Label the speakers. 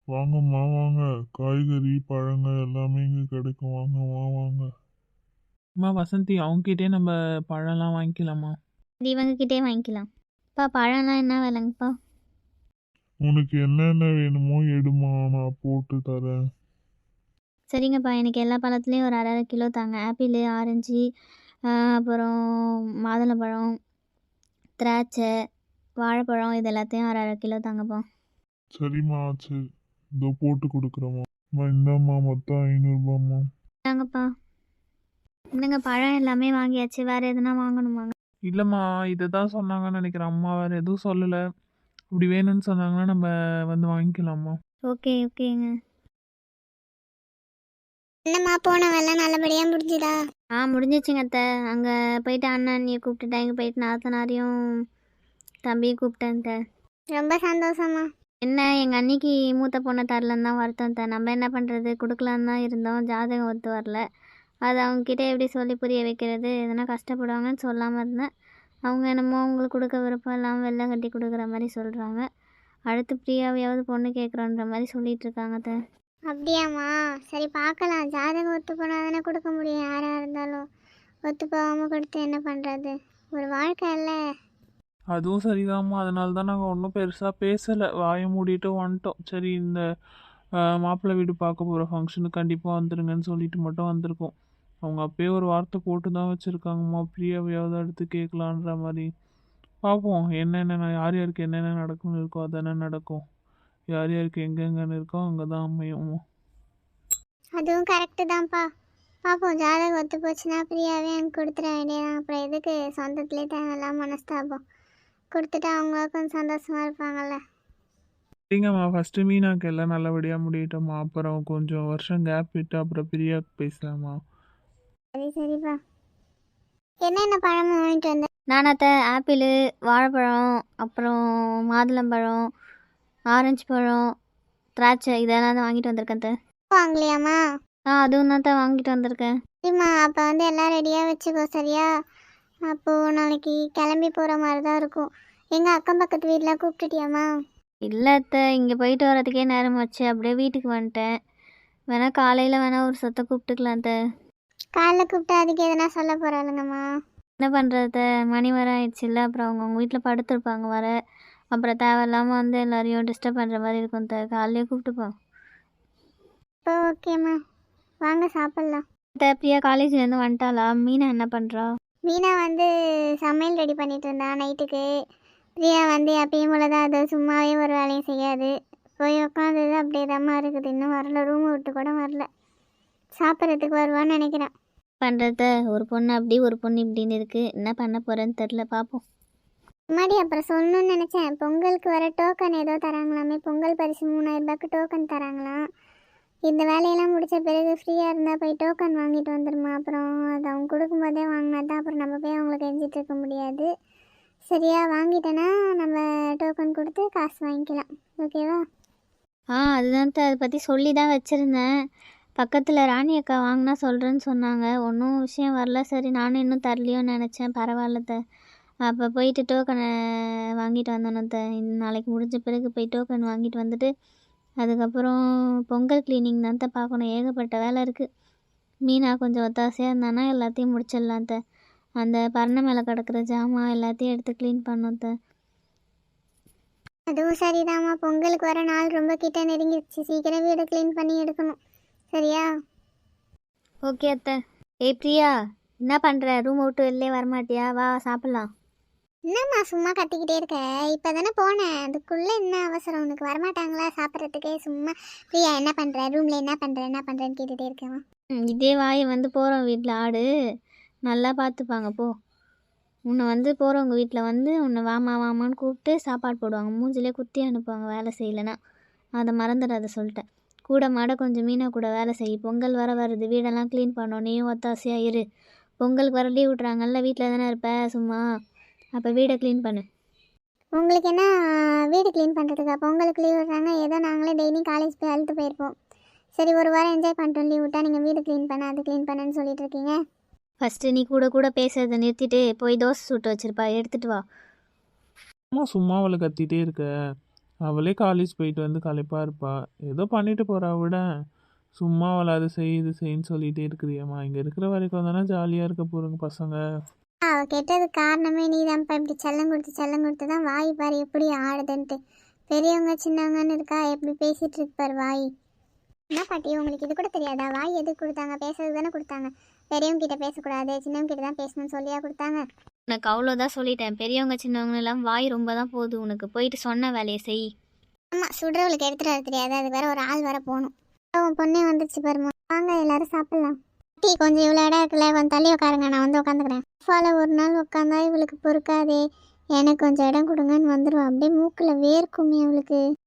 Speaker 1: வாங்கம்மா வாங்க. காய்கறி பழங்கள் எல்லாமே இங்கே கிடைக்கும். வாங்கம்மா வாங்க.
Speaker 2: அம்மா வசந்தி அவங்ககிட்டே நம்ம பழம்லாம் வாங்கிக்கலாமா?
Speaker 3: இது இவங்ககிட்டே வாங்கிக்கலாம். பழம்லாம் என்ன விலைங்கப்பா?
Speaker 1: உனக்கு என்னென்ன வேணுமோ எடுமா, நான் போட்டு தரேன்.
Speaker 3: சரிங்கப்பா, எனக்கு எல்லா பழத்துலேயும் ஒரு அரை அரை கிலோ தாங்க. ஆப்பிள், ஆரஞ்சு, அப்புறம் மாதுளம்பழம், திராட்சை, வாழைப்பழம், இது எல்லாத்தையும் அரை அரை கிலோ தாங்கப்பா.
Speaker 1: சரிம்மா சரி, இதோ போட்டு கொடுக்குறேம்மா. இந்தாம்மா மொத்தம் 500ரூபாம்மா.
Speaker 3: தாங்கப்பா. என்னங்க, பழம் எல்லாமே வாங்கியாச்சு. வேறு எதுனா வாங்கணுமாங்க?
Speaker 2: இல்லைம்மா, இதை தான் சொன்னாங்கன்னு நினைக்கிறேன். அம்மா வேறு எதுவும் சொல்லலை. அப்படி வேணும்னு சொன்னாங்கன்னா நம்ம வந்து வாங்கிக்கலாமா?
Speaker 3: ஓகேங்க.
Speaker 4: என்னம்மா போன வேலை நல்லபடியாக முடிஞ்சுதா?
Speaker 3: முடிஞ்சிச்சுங்க அத்தை. அங்கே போயிட்டு அண்ணன் அண்ணியை கூப்பிட்டுட்டேன். இங்கே போயிட்டு நாத்தனாரையும் தம்பியும் கூப்பிட்டேன் அத்தை.
Speaker 4: ரொம்ப சந்தோஷமா.
Speaker 3: என்ன, எங்கள் அன்னிக்கு மூத்த பொண்ணை தரலன்னு தான் வருத்தம் அத்தை. நம்ம என்ன பண்ணுறது, கொடுக்கலான்னு தான் இருந்தோம். ஜாதகம் ஒத்து வரல. அது அவங்கக்கிட்ட எப்படி சொல்லி புரிய வைக்கிறது? எதனா கஷ்டப்படுவாங்கன்னு சொல்லாமல் இருந்தேன். அவங்க என்னமோ அவங்களுக்கு கொடுக்க விருப்பம் இல்லாமல் வெள்ளை கட்டி கொடுக்குற மாதிரி சொல்கிறாங்க. அடுத்து பிரியாவையாவது பொண்ணு கேட்குறோன்ற மாதிரி சொல்லிட்டு இருக்காங்க அத்தை.
Speaker 4: அப்படியாம்மா? சரி பார்க்கலாம். ஜாதகம் ஒத்து போனால் தானே கொடுக்க முடியும். யாராக இருந்தாலும் ஒத்து போகாமல் கொடுத்து என்ன பண்ணுறது? ஒரு வாழ்க்கை இல்லை.
Speaker 2: அதுவும் சரிதாம்மா. அதனால தான் நாங்கள் ஒன்றும் பெருசாக பேசலை, வாயை மூடிட்டு வந்துட்டோம். சரி, இந்த மாப்பிள்ளை வீடு பார்க்க போகிற ஃபங்க்ஷனுக்கு கண்டிப்பாக வந்துடுங்கன்னு சொல்லிட்டு மட்டும் வந்திருக்கோம். அவங்க அப்பயே ஒரு வார்த்தை போட்டு தான் வச்சுருக்காங்கம்மா, பிரியாவையாவது அடுத்து கேட்கலான்ற மாதிரி. பார்ப்போம், என்னென்ன யார் யாருக்கு என்னென்ன நடக்கும்னு இருக்கோ அதானே நடக்கும். யார் யாருக்கு எங்கெங்கன்னு இருக்கோ அங்கே தான் அமையும்.
Speaker 4: அதுவும் கரெக்டு தான்ப்பா. பார்ப்போம், ஜாதகம் ஒத்து போச்சுன்னா ஃப்ரீயாகவே எனக்கு கொடுத்துட வேண்டியதான். அப்புறம் எதுக்கு சொந்தத்துலேயே தேவையில்லாம மனஸ்தாபம்? கொடுத்துட்டு அவங்க கொஞ்சம் சந்தோஷமாக இருப்பாங்கல்ல.
Speaker 2: சரிங்கம்மா, ஃபஸ்ட்டு மீனாக்கு எல்லாம் நல்லபடியாக முடியட்டோம்மா. அப்புறம் கொஞ்சம் வருஷம் கேப் விட்டு அப்புறம் பிரியாவுக்கு பேசலாமா?
Speaker 4: சரிப்பா. என்னென்ன பழமும் வாங்கிட்டு வந்தேன்?
Speaker 3: நானாத்த ஆப்பிள், வாழைப்பழம், அப்புறம் மாதுளம்பழம், ஆரஞ்சு பழம், திராட்சை, இதெல்லாம் தான் வாங்கிட்டு வந்திருக்கேன் அத்தை.
Speaker 4: வாங்கலையாம்மா?
Speaker 3: அதுவும் தான் தான் வாங்கிட்டு வந்திருக்கேன்.
Speaker 4: சரிம்மா, அப்போ வந்து எல்லாம் ரெடியாக வச்சுக்கோ, சரியா? அப்போது நாளைக்கு கிளம்பி போகிற மாதிரி தான் இருக்கும். எங்கள் அக்கம் பக்கத்து வீட்டில் கூப்பிட்டுட்டியாம்மா?
Speaker 3: இல்லை அத்தை, இங்கே போயிட்டு வரதுக்கே நேரம் வச்சு அப்படியே வீட்டுக்கு வந்துட்டேன். வேணா காலையில் வேணா ஒரு சொத்தை கூப்பிட்டுக்கலாம் அத்தை.
Speaker 4: காலைல கூப்பிட்டா அதுக்கு எதனா சொல்ல போகிறாளுங்கம்மா?
Speaker 3: என்ன பண்ணுறது, மணி வர ஆயிடுச்சுல்ல. அப்புறம் அவங்க வீட்டில் படுத்துருப்பாங்க வர. அப்புறம் தேவையில்லாமல் வந்து எல்லாரையும் டிஸ்டர்ப் பண்ணுற மாதிரி இருக்கும் அத்தை. காலையிலே கூப்பிட்டுப்போம்.
Speaker 4: இப்போ ஓகேம்மா, வாங்க சாப்பிட்லாம்.
Speaker 3: அத்தை, பிரியா காலேஜ்லேருந்து வந்துட்டாளா? மீனா என்ன பண்ணுறா?
Speaker 4: மீனா வந்து சமையல் ரெடி பண்ணிட்டு இருந்தா நைட்டுக்கு. பிரியா வந்து எப்பயும் போல தான், அது சும்மாவே ஒரு வேலையும் செய்யாது. போய் உட்காந்தது அப்படியே தாம்மா இருக்குது. இன்னும் வரல, ரூமை விட்டு கூட வரல. சாப்பிட்றதுக்கு வருவான்னு நினைக்கிறேன்.
Speaker 3: பண்ணுறத ஒரு பொண்ணு அப்படி ஒரு பொண்ணு இப்படின்னு இருக்குது. என்ன பண்ண போகிறேன்னு தெரில, பார்ப்போம்.
Speaker 4: முன்னாடி அப்புறம் சொல்லணும்னு நினச்சேன். பொங்கலுக்கு வர டோக்கன் ஏதோ தராங்களாமே. பொங்கல் பரிசு 3000 ரூபாய்க்கு டோக்கன் தராங்களாம். இந்த வேலையெல்லாம் முடித்த பிறகு ஃப்ரீயாக இருந்தால் போய் டோக்கன் வாங்கிட்டு வந்துடுமா. அப்புறம் அது அவங்க கொடுக்கும்போதே வாங்கினா தான் அப்புறம் நம்ம போய் அவங்கள கெஞ்சிட்டு இருக்க முடியாது. சரியா? வாங்கிட்டேன்னா நம்ம டோக்கன் கொடுத்து காசு வாங்கிக்கலாம். ஓகேவா?
Speaker 3: அதுதான் அதை பற்றி சொல்லி தான் வச்சுருந்தேன். பக்கத்தில் ராணி அக்கா வாங்கினா சொல்கிறேன்னு சொன்னாங்க. ஒன்றும் விஷயம் வரல. சரி, நானும் இன்னும் தரலையோன்னு நினச்சேன். பரவாயில்ல. அப்போ போயிட்டு டோக்கனை வாங்கிட்டு வந்தோன்னு. நாளைக்கு முடிஞ்ச பிறகு போய் டோக்கன் வாங்கிட்டு வந்துட்டு அதுக்கப்புறம் பொங்கல் க்ளீனிங் தான் பார்க்கணும். ஏகப்பட்ட வேலை இருக்குது. மீனா கொஞ்சம் ஒத்தாசையாக இருந்தானா எல்லாத்தையும் முடிச்சிடலாம். அந்த பரணை மேலே கிடக்கிற ஜாமான் எல்லாத்தையும் எடுத்து க்ளீன் பண்ணோம்.
Speaker 4: அதுவும் சரிதாம்மா. பொங்கலுக்கு வர நாள் ரொம்ப கிட்ட நெருங்கிடுச்சு. சீக்கிரம் வீடு க்ளீன் பண்ணி எடுக்கணும். சரியா?
Speaker 3: ஓகே அத்தை. பிரியா, என்ன பண்ணுற? ரூம் விட்டு வெளிலே வரமாட்டியா? வா சாப்பிட்லாம்.
Speaker 4: என்னம்மா சும்மா கத்திக்கிட்டே இருக்க? இப்போ தானே போனேன். அதுக்குள்ளே என்ன அவசரம் உனக்கு? வரமாட்டாங்களா சாப்பிட்றதுக்கே? சும்மா பிரியா என்ன பண்ணுற, ரூமில் என்ன பண்ணுறேன்னு கேட்டுகிட்டே இருக்கேன்.
Speaker 3: இதே வாயை வந்து போகிறோம் வீட்டில் ஆடு நல்லா பார்த்துப்பாங்க. போ, உன்னை வந்து போகிறவங்க வீட்டில் வந்து உன்னை வாமான்னு கூப்பிட்டு சாப்பாடு போடுவாங்க. மூஞ்சிலே குத்தி அனுப்புவாங்க வேலை செய்யலைன்னா. அதை மறந்துடாத சொல்லிட்டேன். கூட மாட கொஞ்சம் மீனா கூட வேலை செய். பொங்கல் வருது, வீடெல்லாம் க்ளீன் பண்ணோம். நீயும் ஒத்தாசையாக இரு. பொங்கலுக்கு வர லீவ் விட்றாங்கல்ல, வீட்டில் தானே இருப்ப சும்மா. அப்போ வீடை க்ளீன் பண்ணு.
Speaker 4: உங்களுக்கு என்ன வீடு க்ளீன் பண்ணுறதுக்கா பொங்கலுக்கு லீவ் விட்றாங்க? ஏதோ நாங்களே டெய்லியும் காலேஜ் போய் அழுத்து போயிருப்போம். சரி, ஒரு வாரம் என்ஜாய் பண்ணிட்டோம். லீவ் விட்டா நீங்கள் வீடு க்ளீன் பண்ண அது க்ளீன் பண்ணுன்னு சொல்லிட்டு இருக்கீங்க.
Speaker 3: ஃபஸ்ட்டு நீ கூட பேசுறதை நிறுத்திட்டு போய் தோசை சுட்டு வச்சுருப்பா, எடுத்துகிட்டு வா.
Speaker 2: சும்மா அவளை கத்திட்டே இருக்க. அவளே காலேஜ் போயிட்டு வந்து களைப்பா இருப்பா. ஏதோ பண்ணிட்டு போறா விட. சும்மா அவளை அது செய் இது செய்ன்னு சொல்லிட்டே இருக்கிறியம்மா. இங்கே இருக்கிற வரைக்கும் தானே ஜாலியாக இருக்க போகிறோங்க பசங்க.
Speaker 4: அவள் கெட்டது காரணமே நீ தான்ப்பா. இப்படி செல்லம் கொடுத்து தான் வாய் பாரு எப்படி ஆடுதுன்ட்டு. பெரியவங்க சின்னவங்கன்னு இருக்கா, எப்படி பேசிகிட்டு இருப்பார் வாய். என்ன பாட்டி உங்களுக்கு இது கூட தெரியாதா? வாய் எதுக்கு கொடுத்தாங்க? பேசுறதுக்கு தானே கொடுத்தாங்க. பெரியவங்க கிட்ட பேசக்கூடாது, சின்னவங்க கிட்ட தான் பேசணும்னு சொல்லியா கொடுத்தாங்க?
Speaker 3: உனக்கு அவ்வளோதான் சொல்லிட்டேன். பெரியவங்க சின்னவங்க எல்லாம் வாய் ரொம்ப தான் போகுது உனக்கு. போயிட்டு சொன்ன வேலையை செய்.
Speaker 4: ஆமாம், சுடுறவளுக்கு எடுத்துகிட்டு வர தெரியாது, அதுக்கு வேற ஒரு ஆள் வர போகணும். உன் பொண்ணே வந்துச்சு பாருமா. வாங்க எல்லாரும் சாப்பிட்லாம். டீ கொஞ்சம் இவ்வளோ இடம் இருக்குல்ல, கொஞ்சம் தள்ளி உட்காருங்க, நான் வந்து உட்காந்துக்கிறேன். ஃபால ஒரு நாள் உட்காந்தா இவளுக்கு பொறுக்காதே. எனக்கு கொஞ்சம் இடம் கொடுங்கன்னு வந்துடுவா. அப்படியே மூக்கில் வேர்க்குமே அவளுக்கு.